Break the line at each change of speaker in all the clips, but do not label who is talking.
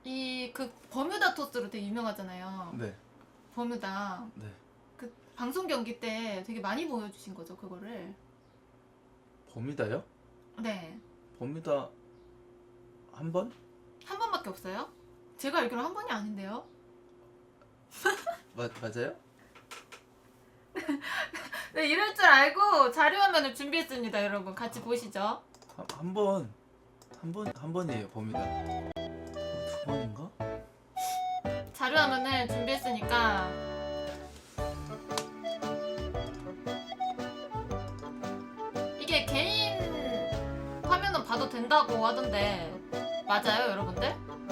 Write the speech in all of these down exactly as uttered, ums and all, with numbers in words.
이 그 버뮤다 토스로 되게 유명하잖아요.
네.
버뮤다.
네.
그 방송 경기 때 되게 많이 보여주신 거죠, 그거를.
버뮤다요?
네.
버뮤다 한 번?
한 번밖에 없어요? 제가 알기로 한 번이 아닌데요?
마, 맞아요?
네, 이럴 줄 알고 자료화면을 준비했습니다, 여러분. 같이 보시죠.
한, 한 번, 한 번, 한 번이에요, 버뮤다. 두 번인가?
자료화면을 준비했으니까 이게 개인 화면은 봐도 된다고 하던데 맞아요, 여러분들?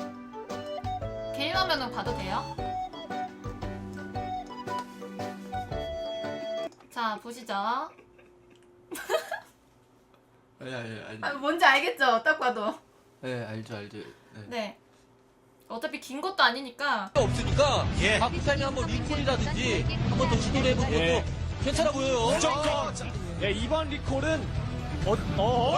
개인 화면은 봐도 돼요? 자, 보시죠.
아니, 아니, 아니.
아, 뭔지 알겠죠? 딱 봐도.
네, 알죠, 알죠. 네.
네. 어차피 긴 것도 아니니까.
없으니까 예. 박부장이 한번 리콜이라든지 한번 더 시도를 해보는 것도
예.
괜찮아 보여요.
무조건. 예, 이번 리콜은 어, 어?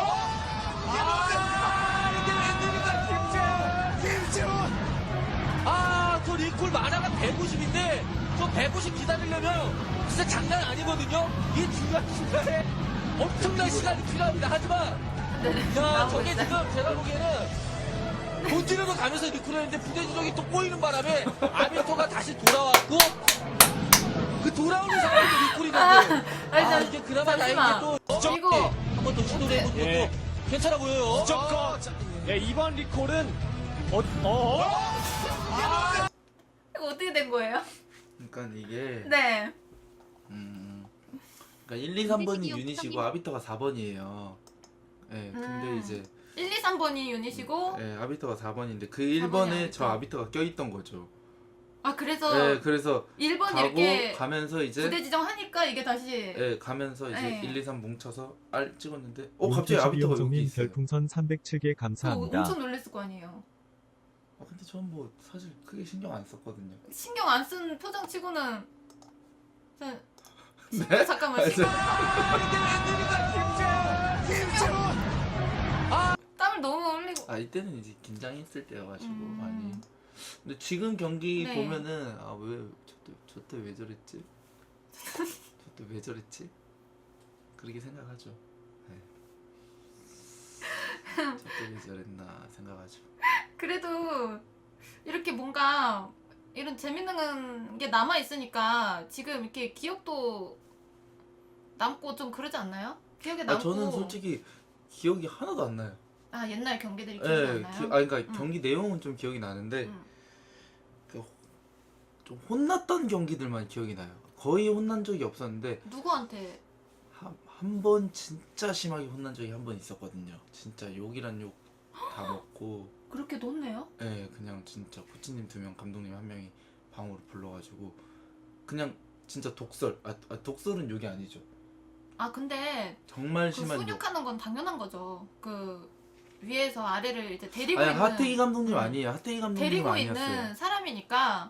아, 이게 웬일인가 김재원. 아, 저 리콜 만화가 백오십인데 저 백오십 기다리려면 진짜 장난 아니거든요. 이 중요한 순간에 엄청난 시간이 필요합니다. 하지만
네,
야, 저게 지금 제가 보기에는 본진으로 가면서 리콜을 했는데 부대지정이 또 꼬이는 바람에 아비토가 다시 돌아왔고 그 돌아오는 상황에서 리콜이 됐는데
아니,
아,
저-
이게 그나마
잠시만.
다행히 또
이거
한번 더 시도를 해보는 것도
예.
괜찮아 보여요.
무조건. 예, 이번 리콜은 어, 어?
이거 어떻게 된 거예요?
그러니까 이게
네.
음, 그러니까 일, 이, 삼 번이 유닛이고 아비터가 사 번이에요. 네, 근데
음.
이제
일, 이, 삼 번이 유닛이고
네, 아비터가 사 번인데 그
사 번이
일 번에
아비터.
저 아비터가 껴있던 거죠.
아, 그래서
네, 그래서
일 번
가고
이렇게
가면서 이제
부대 지정하니까 이게 다시
네, 가면서 이제
네.
일, 이, 삼 뭉쳐서 R 찍었는데 어 갑자기 아비터가 여기
님
있어요.
별풍선 삼백칠 개
그거
감사합니다.
엄청 놀랬을 거 아니에요.
아, 근데 전 뭐 사실 크게 신경 안 썼거든요.
신경 안 쓴 표정 치고는 저- 신-
네?
잠깐만
아,
신경
김재원.
땀을 너무 흘리고
아 이때는 이제 긴장했을 때여가지고
음.
많이. 근데 지금 경기
네.
보면은 아 왜 저때 저때 왜 저랬지? 저때 왜 저랬지? 그렇게 생각하죠. 네. 저때 왜 저랬나 생각하죠.
그래도 이렇게 뭔가 이런 재밌는 게 남아 있으니까 지금 이렇게 기억도 남고 좀 그러지 않나요? 기억에 남고
아 저는 솔직히 기억이 하나도 안 나요.
아, 옛날 경기들이 기억이
예,
안
기,
나요?
아 그러니까
음.
경기 내용은 좀 기억이 나는데
음.
그, 좀 혼났던 경기들만 기억이 나요. 거의 혼난 적이 없었는데
누구한테?
한 번 진짜 심하게 혼난 적이 한 번 있었거든요. 진짜 욕이란 욕 다 먹고
그렇게 놓네요?
예, 그냥 진짜 코치님 두 명, 감독님 한 명이 방으로 불러가지고 그냥 진짜 독설. 아, 아 독설은 욕이 아니죠.
아, 근데
정말
그
심한 욕.
훈육하는 건 당연한 거죠. 그 위에서 아래를 이제 데리고
아니
있는
하태기 감독님
음.
아니에요. 하태기 감독님
데리고
아니었어요.
있는 사람이니까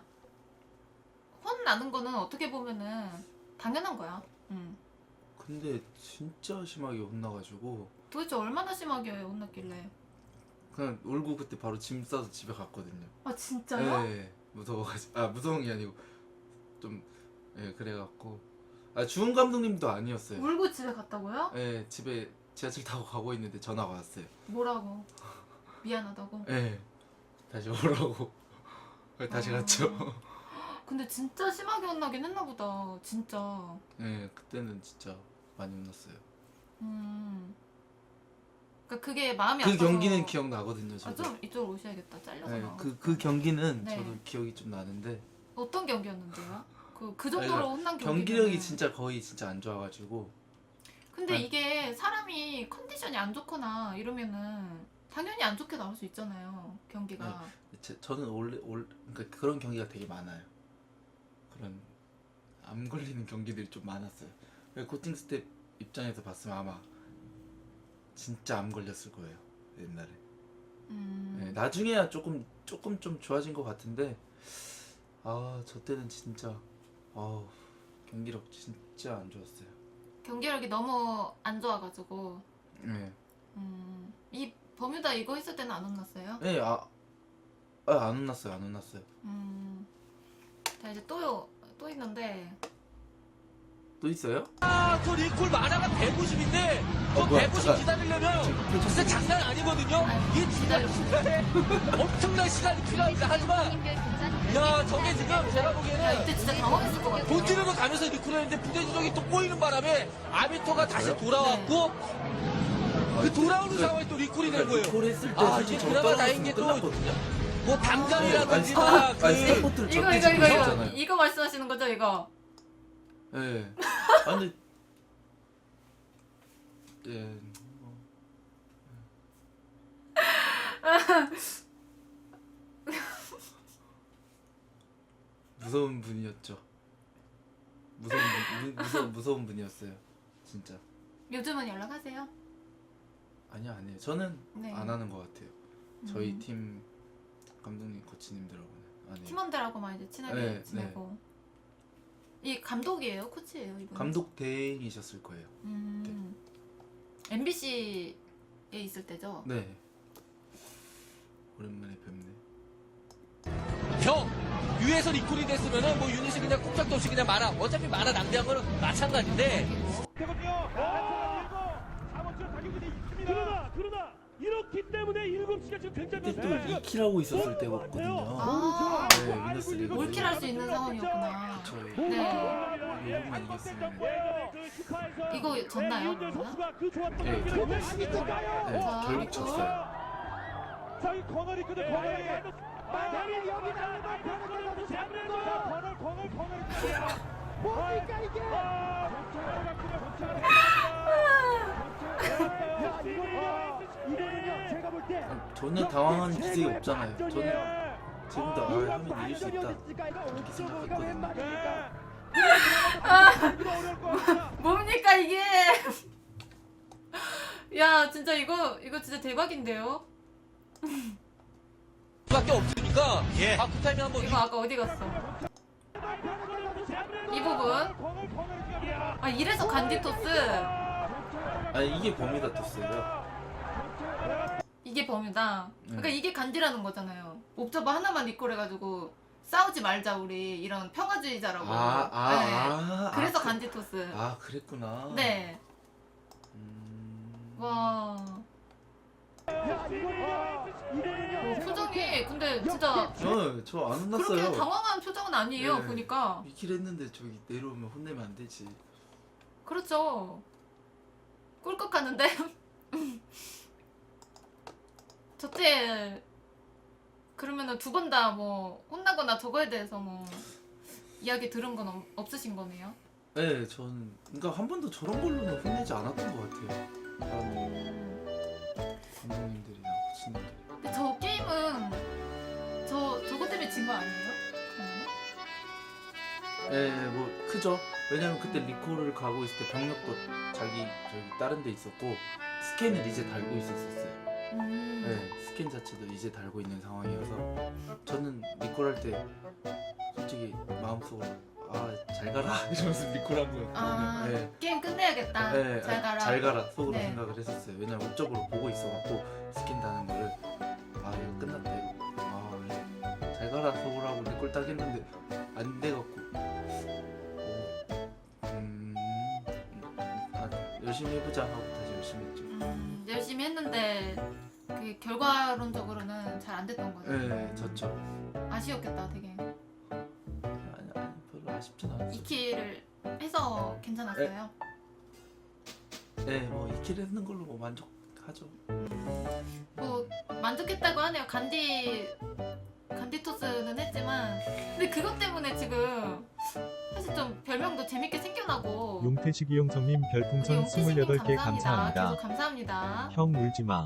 혼나는 거는 어떻게 보면은 당연한 거야. 음.
근데 진짜 심하게 혼나가지고
도대체 얼마나 심하게 혼났길래?
그냥 울고 그때 바로 짐 싸서 집에 갔거든요.
아, 진짜요?
예, 무서워가지고 아 무서운 게 아니고 좀 예 그래갖고 아 주은 감독님도 아니었어요.
울고 집에 갔다고요?
예, 집에 지하철 타고 가고 있는데 전화가 왔어요.
뭐라고? 미안하다고?
예, 다시 오라고. 그래서 다시
아.
갔죠.
근데 진짜 심하게 혼나긴 했나 보다. 진짜.
예, 그때는 진짜 많이 혼났어요.
음. 그러니까 그게 마음이
그
아파서.
경기는 기억나거든요.
아,
저도.
좀 이쪽으로 오셔야겠다. 잘려서
예,
나와.
그, 그 경기는
네.
저도 기억이 좀 나는데
어떤 경기였는데요? 그, 그 정도로
아니,
혼난 경기.
경기력이 진짜 거의 진짜 안 좋아가지고
근데
아니.
이게 사람이 컨디션이 안 좋거나 이러면은 당연히 안 좋게 나올 수 있잖아요. 경기가.
제, 저는 원래 올 그러니까 그런 경기가 되게 많아요. 그런 암 걸리는 경기들이 좀 많았어요. 그래서 코칭 스텝 입장에서 봤으면 아마 진짜 암 걸렸을 거예요 옛날에.
음.
네, 나중에야 조금 조금 좀 좋아진 것 같은데 아 저 때는 진짜 아 경기력 진짜 안 좋았어요.
경기력이 너무 안 좋아가지고.
네.
음. 이 버뮤다 이거 했을 때는 안 혼났어요?
네, 아 아, 안 혼났어요. 안 혼났어요.
음. 자 이제 또요 또 있는데
또 있어요?
아, 저 리콜 만화가 백오십인데 저
어, 뭐야,
백오십
잠깐.
기다리려면
지금
진짜 장난 아니거든요.
아유,
이 중요한 시간에 엄청난 시간이 필요합니다. 하지만 야, 저게 지금 제가
야
보기에는
이때 진짜 당황했을 것 같아요.
본진으로 가면서 리콜을 했는데 부대지정이 또 꼬이는 바람에 아비토가 다시 돌아왔고 그 돌아오는 상황에 또 리콜이 된 거예요.
콜 했을 때
아,
솔직히
이게
저
그나마 다행인
떨어졌으면
게 또
끝났거든요.
뭐
아니,
담감이라든지
스타-
다
아니,
그
스타포트를
이거
저때
이거
지금
이거 이거
하셨잖아요.
이거 말씀하시는 거죠 이거?
예. 아 근데 예. 뭐. 무서운 분이었죠. 무서운 분, 무, 무서 무서운 분이었어요. 진짜.
요즘은 연락하세요?
아니요, 아니에요. 저는
네.
안 하는 것 같아요. 저희
음.
팀 감독님, 코치님들하고는 안 해요.
팀원들하고만 이제 친하게
네,
지내고. 이 감독이에요, 코치예요 이분?
감독 대행이셨을 거예요.
음. 엠비씨에 있을 때죠.
네. 오랜만에 뵙네.
형 위에서 리콜이 됐으면은 뭐 유닛이 그냥 꼼짝도 없이 그냥 말아. 어차피 말아 낭비한 거는 마찬가지인데
되거든요. 그러나 그러나 이렇기 때문에 일곱 시가 지금 굉장히
그때 또 이 킬 하고 있었을 때거든요.
아,
네, 위너스 리그.
올킬 할 수 있는 상황이었구나.
저
네.
일곱만 이겼으면
이거 졌나요, 그러면?
네,
자,
네, 결국
또.
졌어요.
저기 건널 있거든 건널이 만약에 여기 나가면 건널 건널 건널 건널 뭡니까 이게 이거는요 제가 볼때
아니, 전혀 당황한 기색이 없잖아요. 저는 지금도 아, 하면 이길 수 있다 이렇게 생각했거든요.
뭡니까 이게? 야 진짜 이거 이거 진짜 대박인데요?
밖에 없으니까 아 그 타이밍 한번
이거 아까 어디 갔어? 이 부분? 아 이래서 간디토스
아니 이게 범위다 떴어요.
이게 범위다. 그러니까
네.
이게 간디라는 거잖아요. 옵저버 하나만 리콜 해가지고 싸우지 말자 우리 이런 평화주의자라고.
아, 아,
네.
아,
그래서
아, 그-
간디토스.
아 그랬구나.
네.
음...
와. 어, 표정이 근데 진짜
저 저 안
그렇게
혼났어요.
당황한 표정은 아니에요.
네.
보니까.
이 킬 했는데 저기 내려오면 혼내면 안 되지.
그렇죠. 꿀꺽 하는데. 저때 그러면은 두 번 다 뭐 혼나거나 저거에 대해서 뭐 이야기 들은 건 없, 없으신 거네요.
네, 저는 그러니까 한 번도 저런 걸로는 혼내지 않았던 것 같아요. 다른 감독님들이나 코치님들.
근데 저 게임은 저 저거 때문에 진 거 아니에요?
예, 뭐 크죠. 왜냐면 그때 리콜을 가고 있을 때 병력도 자기 저기 다른 데 있었고 스캔을 이제 달고 있었었어요.
음.
네, 스캔 자체도 이제 달고 있는 상황이어서 저는 리콜 할 때 솔직히 마음속으로 아 잘 가라 이러면서 리콜한 거였거든요.
아
네.
게임 끝내야겠다.
네,
잘 가라.
잘 가라 속으로
네.
생각을 했었어요. 왜냐면 목적으로 보고 있어갖고 스캔 다는 거를 아 이거 끝났다 이거 아잘 가라 속으로 하고 리콜 딱 했는데 안 돼갖고 오, 음, 아, 열심히 해보자 하고 다시 열심히 했죠.
음, 열심히 했는데 그 결과론적으로는 잘 안 됐던 거죠.
네, 졌죠.
아쉬웠겠다, 되게.
아니 아니 별로 아쉽진 않았어요.
이 킬을 해서 괜찮았어요.
네, 뭐 이 킬 했는 걸로 뭐 만족하죠.
뭐 만족했다고 하네요. 간디 간디토스는 했지만 근데 그것 때문에 지금 사실 좀 별명도 재밌게 생겨나고
용태식이 형성님
우리
별풍선
용태식님
스물여덟 개
감사합니다.
감사합니다.
계속 감사합니다.
형 울지마.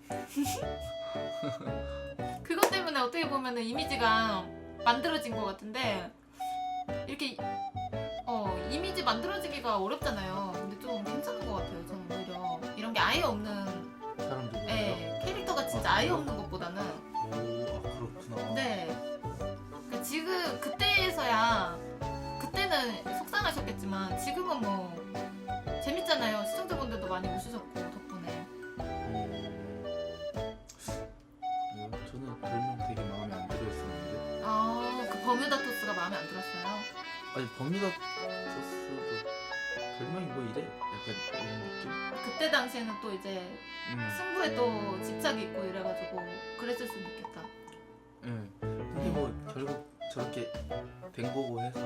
그것 때문에 어떻게 보면은 이미지가 만들어진 것 같은데 이렇게 어 이미지 만들어지기가 어렵잖아요. 근데 좀 괜찮은 것 같아요. 저는 오히려 이런 게 아예 없는
사람들이.
예, 캐릭터가 진짜 아예 없는 것보다는
오, 아 그렇구나.
네. 그러니까 지금 그때에서야 그때는 속상하셨겠지만 지금은 뭐 재밌잖아요. 시청자분들도 많이 웃으셨고 덕분에.
음, 네, 저는 별명 되게 마음에 안 들어요.
버뮤다 토스가 마음에 안 들었어요.
아니 버뮤다 토스도 별명이 뭐 이래? 약간 이런 느낌?
그때 당시에는 또 이제
음.
승부에 또 집착이 있고 이래가지고 그랬을 수도 있겠다.
응. 근데 뭐 결국 저렇게 된 거고 해서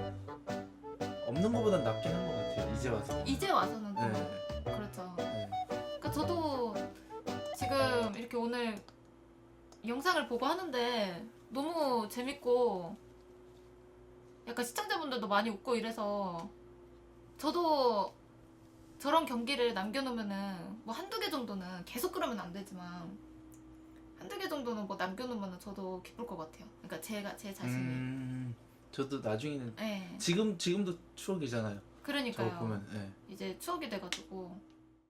없는 거보단 낫긴 한 것 같아요. 이제 와서.
이제 와서는 또
네.
그렇죠.
네.
그러니까 저도 지금 이렇게 오늘 영상을 보고 하는데 너무 재밌고 약간 시청자분들도 많이 웃고 이래서 저도 저런 경기를 남겨놓으면은 뭐 한두 개 정도는 계속 그러면 안 되지만 한두 개 정도는 뭐 남겨놓으면 저도 기쁠 것 같아요. 그러니까 제가 제 자신이.
음. 저도 나중에는
네.
지금 지금도 추억이잖아요.
그러니까요.
저거 보면. 예.
이제 추억이 돼가지고